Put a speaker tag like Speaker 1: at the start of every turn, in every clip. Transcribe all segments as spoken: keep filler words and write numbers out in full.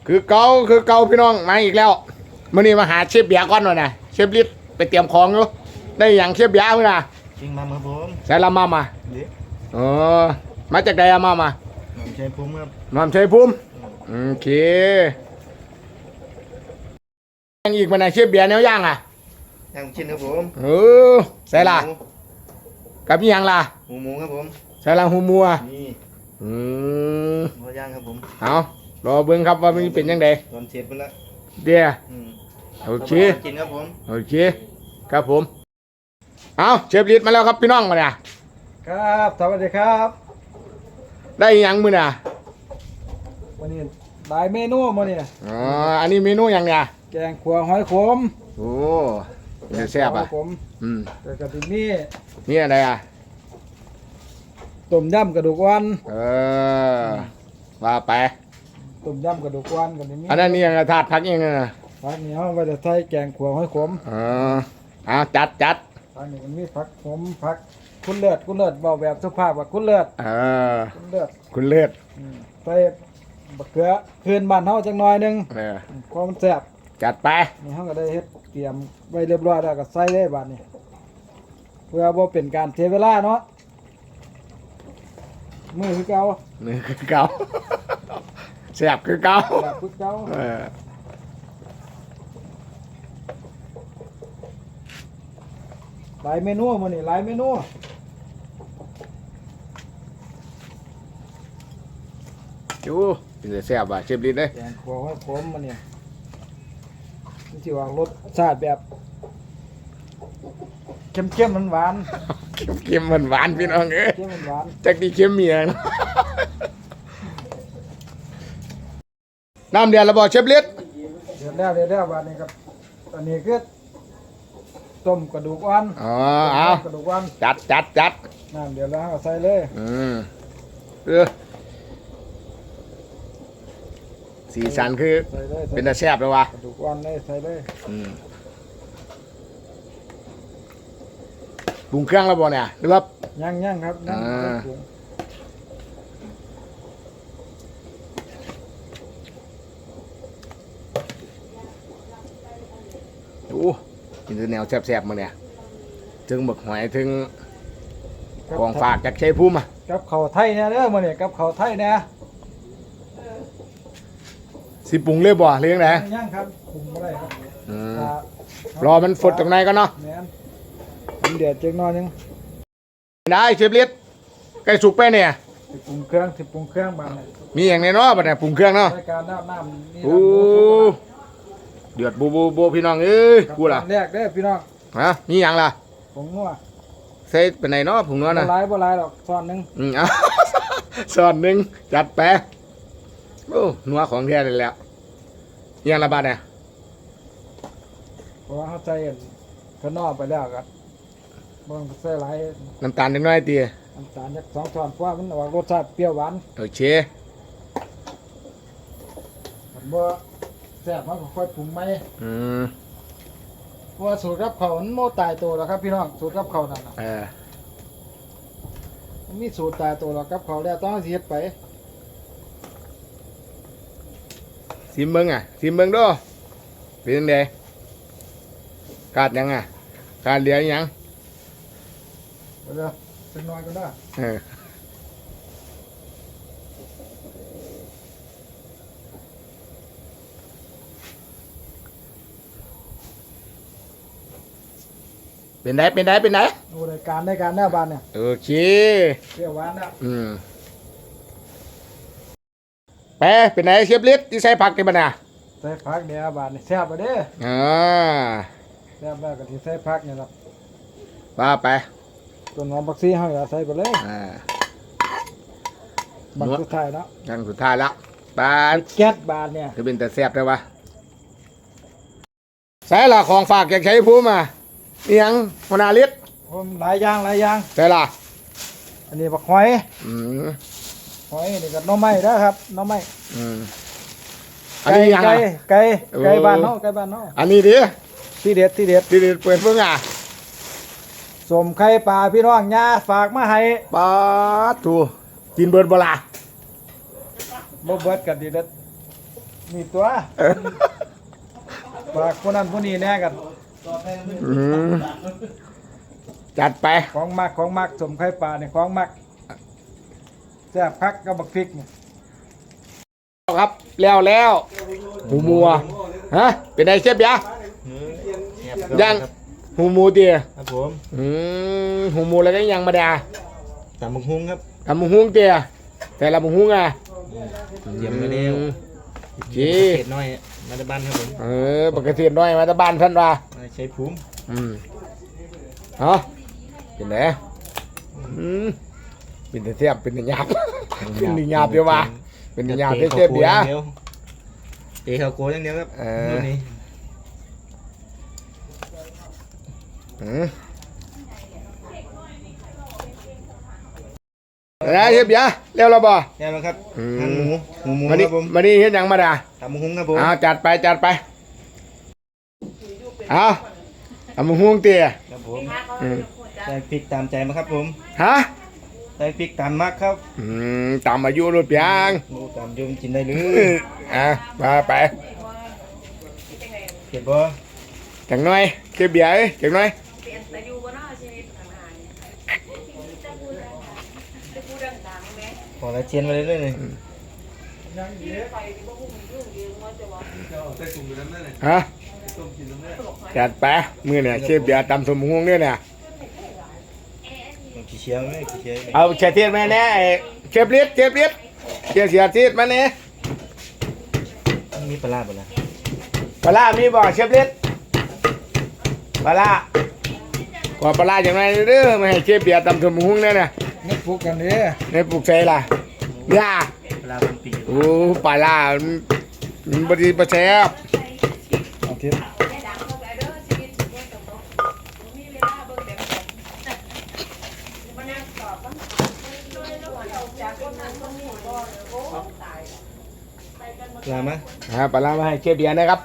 Speaker 1: คือเก่าคือเก่าพี่น้องมาอีกแล้วมื่อนี้มาหาเชฟเบียร์ก่อนหน่อยนะเชฟลิศไปเตรียมของอยู่ได้อย่างเชฟเบียร์มั้ยนะ
Speaker 2: จริงมาครับผม
Speaker 1: ใส่ละมามาเออมาจากใดอะมามา
Speaker 2: น้ำชัยภูมิครับ
Speaker 1: น้ำชัยภูมิโอเคยังอีกวันไหนเชฟเบียร์แนวย่างอ่ะ
Speaker 2: ย่างชิ้นครับผม
Speaker 1: เออใส่ละกับยังล่ะ
Speaker 2: หูหมูครับผม
Speaker 1: ใส่ละหูมัว
Speaker 2: นี่
Speaker 1: อืม
Speaker 2: หัวย่างครับผม
Speaker 1: เอารอเบิ่งครับว่ามันเป็นยังไง
Speaker 2: ตอนเสร็จไปแล้ว
Speaker 1: เดี๋ยวโอเค
Speaker 2: กินครับผม
Speaker 1: โอเคครับผมเอาเชฟลิศมาแล้วครับพี่น้องมาเนี่ย
Speaker 3: ครับสวัสดีครับ
Speaker 1: ได้ยังมือน่ะ
Speaker 3: วันนี้หลายเมนูมาเนี่ย
Speaker 1: อ๋ออันนี้เมนูยังเนี่ย
Speaker 3: แกงขัวหอยขม
Speaker 1: โอ้ยแซ่บอ่ะ
Speaker 3: อืมแต่กะทินี่
Speaker 1: นี่อะไรอ่ะ
Speaker 3: ต้มยำกระดูกอ่อน
Speaker 1: เออว่าไป
Speaker 3: ต้มยำกระดูกอ่อนกันนี่
Speaker 1: อันนั้นนี่ยังถาดพักยังไงนะ
Speaker 3: ผักเหนียวว่าจะใส่แกงขัวหอยขม
Speaker 1: อ๋อเอาจัดจัด
Speaker 3: ผักนี่มันมีผักขมผักคุณเลือดคุณเลือดเบาแบบสุภาพว่าคุณเลือด
Speaker 1: เออ
Speaker 3: คุณเลือด
Speaker 1: คุณเลือด
Speaker 3: ใส่บะเขือคืนบ้านเฮาจังหน่อยนึง
Speaker 1: เออ
Speaker 3: ความมันแซ่บ
Speaker 1: จัดไป
Speaker 3: นี่เฮาก็ได้เฮ็ดเตรียมไว้เรียบร้อยแล้วก็ใส่ได้บัดนี้เพื่อบ่เป็นการเสียเวลาเนาะมือคือเก่า
Speaker 1: มือคือเก่าแซ่บคือเก่า
Speaker 3: แซ่บคือเก่า
Speaker 1: เออ
Speaker 3: หลายเมนูมื้อนี้หลายเมนู
Speaker 1: จูเป็นแซ่บอ่ะเชฟลิศเด้
Speaker 3: แกงขัวหอยขมมื้อนี้มันสิว่ารสชาติแบบเข้มๆหวาน
Speaker 1: ๆเค็มๆหวานๆพี่น้องเอ้ย
Speaker 3: เค็มหวาน
Speaker 1: จักดีเค็มเมียงน้ำเดือดแล้วบ่เชฟลิศ
Speaker 3: เดือดแล้วเดือดแล้วบัดนี้ครับอันนี้คือต้มกระดูกอ่อน
Speaker 1: อ๋อเอา
Speaker 3: กระดูกอ่อน
Speaker 1: จัดจัดจัด
Speaker 3: น้ำเดือดแล้วเอาใส่เลย
Speaker 1: อืมเออสีสันคือเป็นตาแซ่บแล้ววะ
Speaker 3: กระดูกอ่อนเลยใส่เลย
Speaker 1: อืมปรุงเครื่องแล้วบ่เนี่ยหรือว่า
Speaker 3: ย่างย่างครับย่างปรุง
Speaker 1: โอ้กินแนวแซ่บๆมาเนี่ยถึงหมึกหอยถึงกองฝากจากชัยภูมิอ่ะ
Speaker 3: กับข้าวไทยเนี่ยเด้อมื้อนี้กับข้าวไทยเนี่ย
Speaker 1: สิปรุงเลยบ่เลี้ยงไหน
Speaker 3: ย่างครับปรุงบ่ได้ครับ
Speaker 1: รอมันฝดตรงไหนก็เนาะ
Speaker 3: แม่นมันเดือดจังหน่อยนึง
Speaker 1: ได้เชฟลิศใกล้สุกไปเนี่ย
Speaker 3: สิปรุงเครื่องสิปรุงเครื่องบาง
Speaker 1: มีอย่างในเนาะบัดเนี่ยปรุงเครื่องเนาะ
Speaker 3: รายการน้ำน้ำนี่
Speaker 1: โอ้เดือดบูบูบูพี่น้องเอ้ยกูล่ะ
Speaker 3: แรกเด้อพี่น้อง
Speaker 1: ฮะมีอย่างล่ะ
Speaker 3: ผงนัว
Speaker 1: ใส่เป็นไหนเนาะผงนัวนะ
Speaker 3: บ่หลายบ่หลายหรอกช้อนนึง
Speaker 1: อืมเอาช้อนนึงจัดไปโอ้นัวของแท้เลยแล้วยังละบาทเนี่ย
Speaker 3: เพราะว่าเขาใส่ข้างนอกไปแล้วกันบางใส่หลาย
Speaker 1: น้ำตาลนิดหน่อยตี
Speaker 3: น้ำตาลจากสองช้อนเพราะว่ามันออกรสชาติเปรี้ยวหวาน
Speaker 1: โอเค
Speaker 3: ผมว่าแซ่บมากค่อยปรุงไหม
Speaker 1: อืม
Speaker 3: เพราะว่าสูตรกับเขามันโมตายตัวแล้วครับพี่น้องสูตรกับเขานั่น
Speaker 1: เออ
Speaker 3: มันมีสูตรตายตัวแล้วกับเขาแล้วต้องเสียไป
Speaker 1: ซิมเบิ้งอ่ะซิมเบิ้งด้วยเป็นยังไงขาดยังอ่ะขาดเหลือยัง
Speaker 3: เดี๋ยวเป็นน้อยก็ได้
Speaker 1: เออเป็นไงเป็นไงเป็นไง
Speaker 3: โอ้รายการรายการหน้าบ้านเนี่ย
Speaker 1: โอเค
Speaker 3: เปรี้ยวหวานนะ
Speaker 1: อืมไปเป็นไงเชฟลิศที่ใส่ผักกันบ้างนะ
Speaker 3: ใส่ผักเดี๋ยวบานนี่แซ่บไปเด้อ
Speaker 1: อ่า
Speaker 3: แซ่บแล้วก็ที่ใส่ผักเนี่ยครับ
Speaker 1: ว่าไป
Speaker 3: ต้นหอมผักชีเฮาอย่าใส่ไปเลย
Speaker 1: อ่า
Speaker 3: บังสุดท้ายเนาะ
Speaker 1: บังสุดท้ายแล้วบาน
Speaker 3: แก๊สบานเนี่ย
Speaker 1: คือเป็นแต่แซ่บได้วะใส่ละของฝากอยากใช้ภูมิมาเอียงมนาลิศ
Speaker 3: ผมหลายอย่างหลายอย่าง
Speaker 1: ใส่ละ
Speaker 3: อันนี้บักหอย
Speaker 1: อืม
Speaker 3: หอยนี่ก็หน่อไม้นะครับหน่อไม้
Speaker 1: อืม
Speaker 3: ไก่ไก่ไก่ไก่บ้านเนาะไก่บ้านเนาะ
Speaker 1: อันนี้ดิ
Speaker 3: ที่เด็ดที่เด็ด
Speaker 1: ที่เด็ดเปิดเพิ่งอ่ะ
Speaker 3: สมไข่ปลาพี่น้องย่าฝากมาให้
Speaker 1: ปลาถูกินเบิร์ดบลา
Speaker 3: บ่เบิร์ดกันดีเด็ดมีตัวฝากคนนั้นคนนี้แน่กัน
Speaker 1: อืมจัดไป
Speaker 3: ของมักของมักสมไข่ปลาเนี่ยของมักแซ่บคักกับบักพริกเนี่ย
Speaker 1: ครับแล้วแล้วหูมัวฮะเป็นไงเชฟยะ
Speaker 2: เนื้อแซ่บ
Speaker 1: ยัง
Speaker 2: ครับ
Speaker 1: หูมูเตีย
Speaker 2: ครับผม
Speaker 1: อืมหูมูแล้วก็ยังมาดา
Speaker 2: ตำบักหุ่งครับ
Speaker 1: ทำมุงหุงเตียแต่ละมุงหุงอ่ะ
Speaker 2: เยี่ยมมาแล้ว
Speaker 1: โอเค
Speaker 2: เศษน้อยมาจากบ้านครับผม
Speaker 1: เออปกติน้อยมาแตะบ้านท่านว่า
Speaker 2: มาใช้ภูมิ
Speaker 1: อืมเนาะเป็นไงอืมเป็นแต่เทียบเป็นแต่หยาบเป็นแต่หยาบเดียวว่าเป็นแต่หยาบเทียบเดียว
Speaker 2: เตะเขาโกอย่างเดียวครับ
Speaker 1: เออ
Speaker 2: นู่นนี่
Speaker 1: อืมแล้วเทียบยะเร็วเราบ่
Speaker 2: แน่แล้วครับ
Speaker 1: อืม
Speaker 2: หั่นหมูหมูหมู
Speaker 1: มา
Speaker 2: ค
Speaker 1: นี่
Speaker 2: รับผม
Speaker 1: มานี่เฮ็ดหยังมาดา
Speaker 2: ตำบักหุ่งครับผม
Speaker 1: เอาจัดไปจัดไปเอาทำมุงหุงเตีย
Speaker 2: ครับผม
Speaker 1: อืม
Speaker 2: ใส่พริกตามใจมาครับผม
Speaker 1: ฮะ
Speaker 2: ใส่พริกตามมักครับ
Speaker 1: อืมตามอายุรถเพียง
Speaker 2: หมูตามยมกินได้เล
Speaker 1: เอย ออ่ะมาไป
Speaker 2: เผ็ดบ่
Speaker 1: จังหน่อยเก็บเบียร์เอ้ยจังหน่อย
Speaker 4: เปลี่ยนแต่อยู่บนนอกชีวิตทางานจะพูดดังจะพูดดังๆไหม
Speaker 2: ขอละเชียนมาเรื่อยๆเลย
Speaker 4: ไปที่พวกมึงยุ่งเยอะว่าจะว่า
Speaker 1: ฮะจัดไปมือเนี่ยเก็บเบียร์ตำสมงเนี่ยเนี่ย
Speaker 2: ขี้เชียวไหมขี้เชียว
Speaker 1: เอาเชฟเทียนมาแน่ไอ้เชฟลิศเชฟลิศเชฟเสียทีดมาเนี่ย
Speaker 2: มีปลาร้าบ่ล่ะ
Speaker 1: ปลาร้ามีบ่เชฟลิศปลาร้าขอปลาร้าจังหน่อยเด้อไม่ให้เชฟเบียร์ตำสมงเนี่ยเนี่ย
Speaker 3: นี่ปลูกกันเด้
Speaker 1: ในปลูกใส่ล่ะย่า
Speaker 2: ปลาเป็นปี
Speaker 1: โอ้ปลาร้ามันมันบดีประแซบ
Speaker 3: เอาทิศ
Speaker 4: ได้ดังเท่าไหร่เด้อชีวิตชีวิตตรงนี้มีเวลาเบิ่งแบบมันนั่งตอบว่าจากคนนั้นคนนี้ก็โอ้ตาย
Speaker 2: ปลามา
Speaker 1: ฮะปลาร้ามาให้เชฟเบียร์นะครับ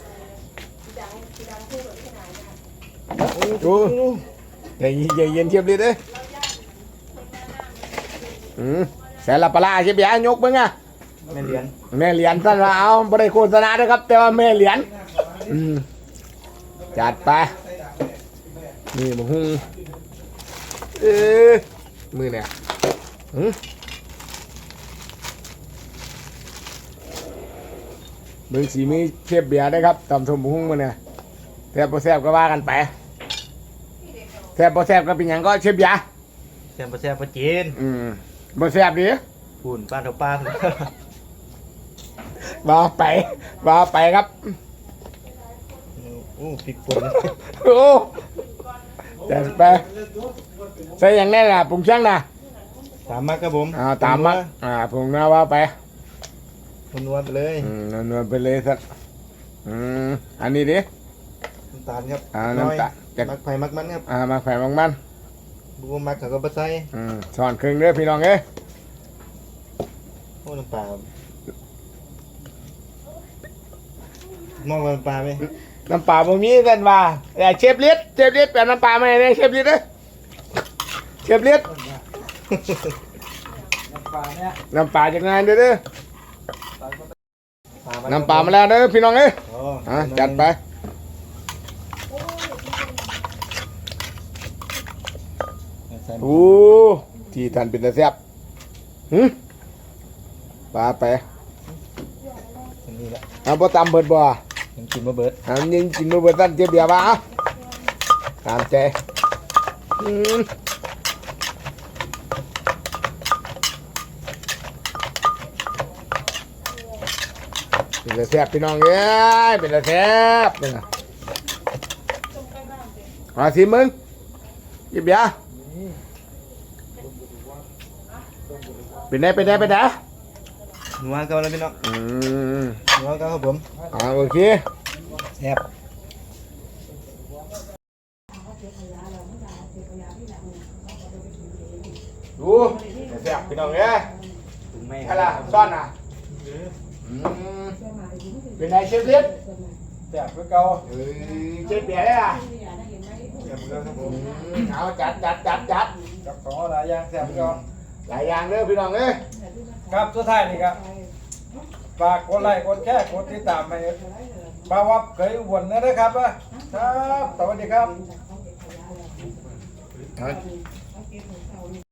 Speaker 1: โอ้ใจเย็นใจเย็นเชฟลิศเอ้ยอืมแสนละปลาร้าเชฟเบียร์ยกมึงอ่ะ
Speaker 2: แม่เลี้ยน
Speaker 1: แม่เหรียญท่านว่าเอาไม่ได้โฆษณานะครับ แต่ว่าแม่เหรียญอืมจัดไปนี่มึงหุ้งเออมือเนี่ยหืมเบิ่งสีมีเทียบเบียร์ได้ครับตำสมหุ้งมันเนี่ยแซ่บบ่แซ่บก็ว่ากันไปแซ่บบ่แซ่บก็เป็นหยังก็เชียบเบียร์
Speaker 2: แซ่บบ่แซ่บบ่จีน
Speaker 1: อืมบ่แซ่บดิ
Speaker 2: ปุ่นปลาเท่าปลา
Speaker 1: ว่าไปว่าไปครับ
Speaker 2: โอ้พริกป่น
Speaker 1: โอ้จัดไปใส่อย่างแน่น่ะปรุงช่างน่ะ
Speaker 2: ตามมักครับผม
Speaker 1: อ่าตามมาอ่าปรุงนะว่าไป
Speaker 2: คนนวลไปเลย
Speaker 1: อืมนวลๆไปเลยสักอืมอันนี้ดิ
Speaker 2: น้ำตาลครับ
Speaker 1: อ่าน้ำตาล
Speaker 2: น้อยมักไผ่มักมันครับ
Speaker 1: อ่ามาแขวนบางมัน
Speaker 2: บัวมักเขาก็บ่ใส่
Speaker 1: อืมสอนครึ่งเด้อพี่น้องเอ้ย
Speaker 2: โอ้น้ำปลาครับมองว่าน้ำปลาไหม
Speaker 1: น้ำปลาบ่มีกันว่าแต่เชฟเลียดเชฟเลียดแปลน้ำปลามาให้ได้เชฟเลียดเด้อเชฟเลียด
Speaker 3: น้ำปลาเนี่ย
Speaker 1: น้ำปลาจากงานเด้อเด้อ
Speaker 2: ปลา
Speaker 1: น้ำปลามาแล้วเด้อพี่น้องเอ้ย
Speaker 2: อ๋อ
Speaker 1: อ่าจัดไป
Speaker 2: ใส่
Speaker 1: โอ้ที่ท่านเป็นตาแซ่บหืมปลาไป
Speaker 2: อันนี้แหละ
Speaker 1: เอาบ่ตามเบิดบ่
Speaker 2: ยังกินบ่เบิด
Speaker 1: เอายิงกินบ่เบิดท่านเจ็บเบียร์บ่เอาตามใจอืมเป็นตาแซ่บพี่น้องเอ้ยเป็นตาแซ่บนี่นะมาสิมึงเจ็บเบียร์เป็นไงเป็นไงเป็นไง
Speaker 2: นัวเก่าแล้วพี่น้อง
Speaker 1: อืม
Speaker 2: นัวเก่าครับผม
Speaker 1: อ่าโอเค
Speaker 2: แซ่บ
Speaker 1: ดูแซ่บพี่น้องเอ้ย
Speaker 2: ถึงแม่
Speaker 1: อะไรซ่อนอ่ะอืมเป็นไงเชฟเล็ก
Speaker 3: แซ่บคือเก่า
Speaker 1: เออเชฟเบียร์ได้อ่ะ
Speaker 2: แซ่บแล้วครับผม
Speaker 1: อืมเอาจัดจัดจัดจัด
Speaker 3: กับของหลายอย่างแซ่บคือเก่า
Speaker 1: หลายอย่างเด้อพี่น้องเอ้ย
Speaker 3: ครับสุดท้ายนี่ครับฝากกดไลค์กดแชร์กดติดตามให้บ่าววับเคยอุบลนะครับอ่ะครับสวัสดีครับ
Speaker 1: ครับ